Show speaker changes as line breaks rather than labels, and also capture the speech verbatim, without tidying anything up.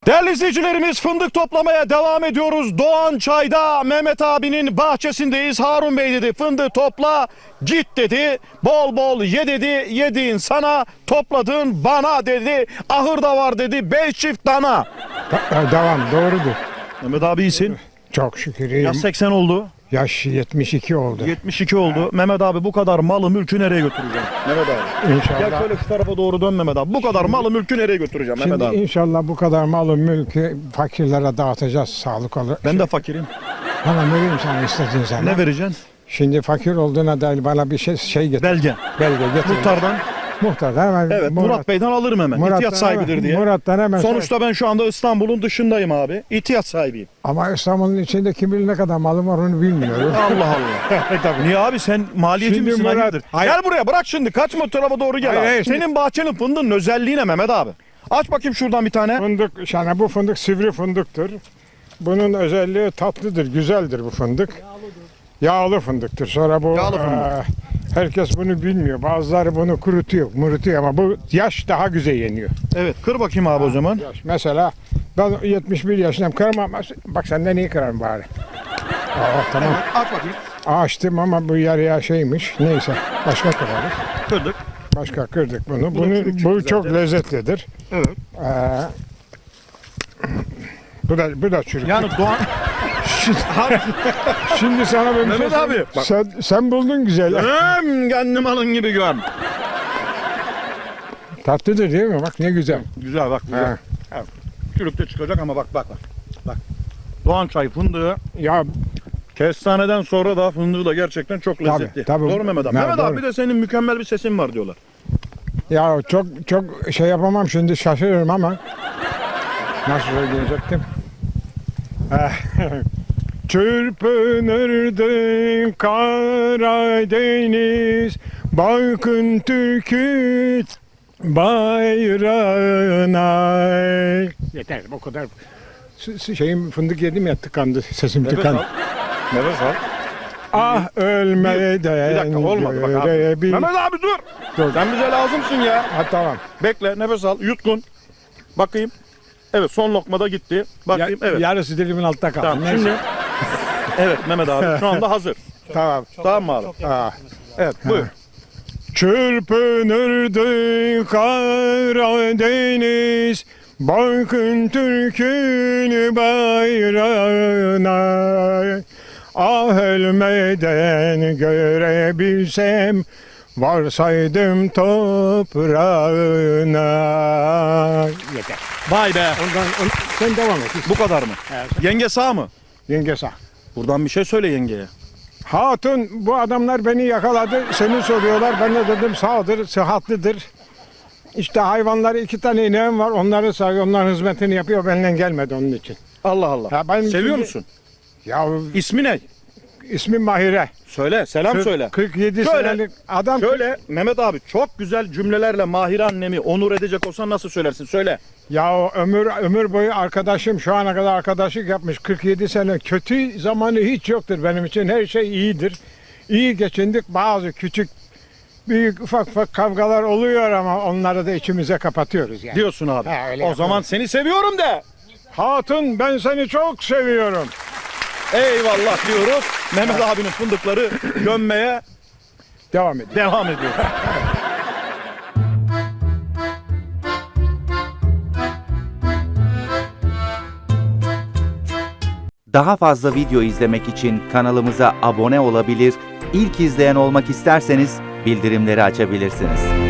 Değerli izleyicilerimiz, fındık toplamaya devam ediyoruz. Doğan Çay'da Mehmet abinin bahçesindeyiz. Harun Bey dedi fındığı topla git dedi. Bol bol ye dedi. Yediğin sana, topladığın bana dedi. Ahırda var dedi. Beş çift dana.
Da- Devam, doğrudur.
Mehmet abi iyisin.
Çok şükür iyiyim.
Yaş seksen oldu.
Yaş yetmiş iki oldu.
yetmiş iki oldu. Mehmet abi bu kadar malı mülkü nereye götüreceğim? Mehmet abi.
İnşallah.
Gel şöyle şu tarafa doğru dön Mehmet abi. Bu kadar malı mülkü nereye götüreceğim Mehmet
Şimdi
abi?
inşallah bu kadar malı mülkü fakirlere dağıtacağız sağlık olur.
Ben de fakirim.
Bana vereyim sana istediğin zaman.
Ne vereceksin?
Şimdi fakir olduğuna dair bana bir şey şey getir.
Belge.
Belge getir.
Muhtardan.
Muhtardan hemen.
Evet, Murat, Bey'den alırım hemen.
Murat'tan
İhtiyat sahibidir
hemen-
diye.
Murat'tan hemen.
Sonuçta ben şu anda İstanbul'un dışındayım abi. İhtiyat sahibiyim.
Ama İstanbul'un içinde kim bilir ne kadar malım var onu bilmiyorum.
Allah Allah. Niye abi, sen maliyeci
Şimdi
misin?
Murat-
Hayırdır?
Hayır.
Gel buraya, bırak şimdi. Kaçma, o tarafa doğru gel
Hayır,
abi.
hayır, şimdi-
Senin bahçenin fındığın özelliği ne Mehmet abi? Aç bakayım şuradan bir tane.
Fındık, yani bu fındık sivri fındıktır. Bunun özelliği tatlıdır, güzeldir bu fındık. Yağlı fındıktır. Sonra bu
Yağlı fındık.
eee, herkes bunu bilmiyor. Bazıları bunu kurutuyor, murutuyor ama bu yaş daha güzel yeniyor.
Evet, kır bakayım abi o zaman.
Yaş. Mesela ben yetmiş bir yaşındayım. Kıramam. Bak senden iyi kırarım bari. Aa, tamam.
Aç bakayım.
Açtım ama bu yarıya şeymiş. Neyse. Başka kırarız.
Kırdık.
Başka kırdık bunu.
Bu da
Bunu,
çürük
bu
çıktı
çok
zaten.
lezzetlidir.
Evet.
Ee, bu da bu da çürük.
Yani Doğan...
Şimdi sana ben bir şey
Mehmet abi,
söyleyeyim.
bak.
Sen, sen buldun güzel.
Hem kendim alın gibi gör.
Tatlıdır değil mi? Bak ne güzel.
Güzel bak, güzel.
Ha.
Evet. Çürük de çıkacak ama bak bak bak. Bak. Doğan Çay fındığı
Ya
kestaneden sonra da fındığı da gerçekten çok
Tabii,
lezzetli.
tabii.
Doğru Mehmet abi.
Ha,
Mehmet
doğru.
abi, bir de senin mükemmel bir sesin var diyorlar.
ya çok çok şey yapamam şimdi şaşırırım ama nasıl söyleyecektim? Çırpınırdı Karadeniz, bakın Türk'ün bayrağına. Yeter bu kadar. S- s- Şeyim fındık yedim ya tıkandı sesim
Nefes
tıkandı.
al. Nefes al.
Ah ölmeden
Bir dakika, olmadı bak abi.
görebil-
Mehmet abi dur.
Dur.
Sen bize lazımsın ya.
Ha, tamam.
Bekle, nefes al, yutkun. Bakayım. Evet, son lokmada gitti. Bakayım,
Ya-
evet.
Yarısı dilimin altta kaldı.
Tamam,
Neyse.
şimdi. Evet Mehmet abi, şu anda hazır.
Tamam.
Tamam mı abi?
Ha.
Evet, buyur.
Çırpınırdı Karadeniz, bakın Türk'ün bayrağına. Ah ölmeden görebilsem, varsaydım toprağına. Yeter.
Vay be.
Ondan, on, sen devam et.
Bu kadar mı?
Evet.
Yenge sağ mı?
Yenge sağ.
Buradan bir şey söyle yengeye.
Hatun bu adamlar beni yakaladı. Seni soruyorlar. Ben de dedim sağdır, sıhhatlidir. İşte hayvanları iki tane ineğim var. Onları sağıyor, onların hizmetini yapıyor. Benden gelmedi onun için.
Allah Allah.
Ya ben
Seviyor
şimdi-
musun?
Ya
İsmi ne?
ismim Mahire.
Söyle, selam
Kırk-
söyle.
kırk yedi
Şöyle,
senelik adam.
Şöyle Mehmet abi, çok güzel cümlelerle Mahire annemi onur edecek olsan nasıl söylersin? Söyle.
Ya o ömür ömür boyu arkadaşım, şu ana kadar arkadaşlık yapmış kırk yedi sene. Kötü zamanı hiç yoktur benim için. Her şey iyidir. İyi geçindik. Bazı küçük büyük ufak ufak kavgalar oluyor ama onları da içimize kapatıyoruz yani.
Diyorsun abi.
Ha, öyle
o
yapıyorum.
zaman seni seviyorum de.
Hatun ben seni çok seviyorum.
Eyvallah diyoruz. Mehmet abinin fındıkları gömmeye
Devam ediyor.
devam ediyor.
Daha fazla video izlemek için kanalımıza abone olabilir, ilk izleyen olmak isterseniz bildirimleri açabilirsiniz.